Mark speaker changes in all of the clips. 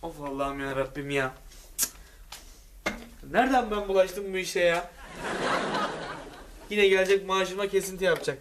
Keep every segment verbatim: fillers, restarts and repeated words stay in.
Speaker 1: Of Allah'ım ya Rabbim ya. Nereden ben bulaştım bu işe ya? Yine gelecek maaşıma kesinti yapacak.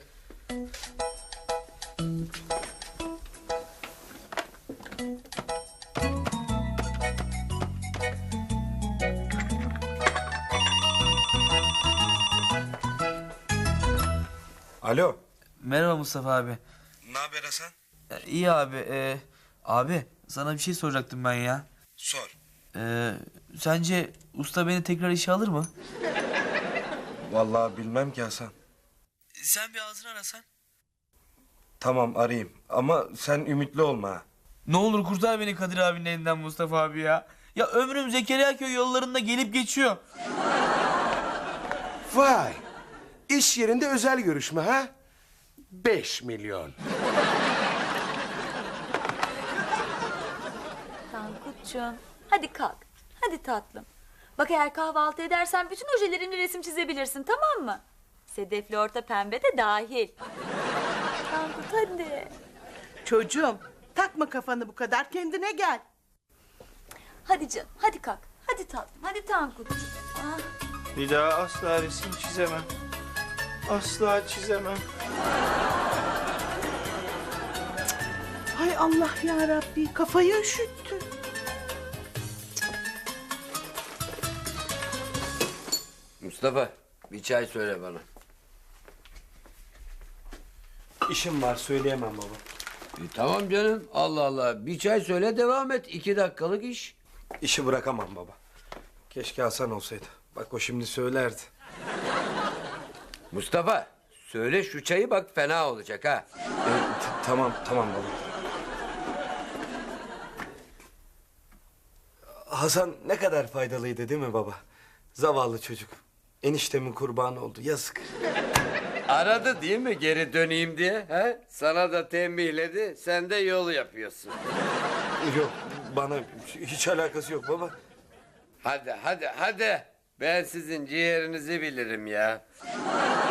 Speaker 2: Alo.
Speaker 1: Merhaba Mustafa abi.
Speaker 2: Ne haber Hasan?
Speaker 1: İyi abi. E, abi sana bir şey soracaktım ben ya.
Speaker 2: Sor.
Speaker 1: E, sence usta beni tekrar işe alır mı?
Speaker 2: Vallahi bilmem ki Hasan.
Speaker 1: Sen bir ağzını arasan.
Speaker 2: Tamam arayayım ama sen ümitli olma ha.
Speaker 1: Ne olur kurtar beni Kadir abinin elinden Mustafa abi ya. Ya ömrüm Zekeriya köy yollarında gelip geçiyor.
Speaker 3: Vay! İş yerinde özel görüşme ha? Beş milyon.
Speaker 4: Tankutcuğum, hadi kalk. Hadi tatlım. Bak eğer kahvaltı edersen bütün ojelerimle resim çizebilirsin, tamam mı? Sedefli orta pembe de dahil. Tankut hadi.
Speaker 5: Çocuğum takma kafanı bu kadar, kendine gel.
Speaker 4: Hadi canım, hadi kalk. Hadi tatlım, hadi Tankutcuğum. Ah,
Speaker 6: Bir daha asla resim çizemem. Asla çizemem.
Speaker 5: Hay Allah ya Rabbi, kafayı üşüttü.
Speaker 7: Mustafa, bir çay söyle bana.
Speaker 2: İşim var söyleyemem baba.
Speaker 7: E, tamam canım, Allah Allah. Bir çay söyle, devam et. İki dakikalık iş.
Speaker 2: İşi bırakamam baba. Keşke Hasan olsaydı. Bak o şimdi söylerdi.
Speaker 7: Mustafa, söyle şu çayı, bak fena olacak ha.
Speaker 2: E, t- tamam tamam baba. Hasan ne kadar faydalıydı değil mi baba? Zavallı çocuk. Eniştemin kurbanı oldu yazık.
Speaker 7: Aradı değil mi geri döneyim diye? He? Sana da tembihledi, sen de yol yapıyorsun.
Speaker 2: Yok bana hiç alakası yok baba.
Speaker 7: Hadi, hadi, hadi. Ben sizin ciğerinizi bilirim ya.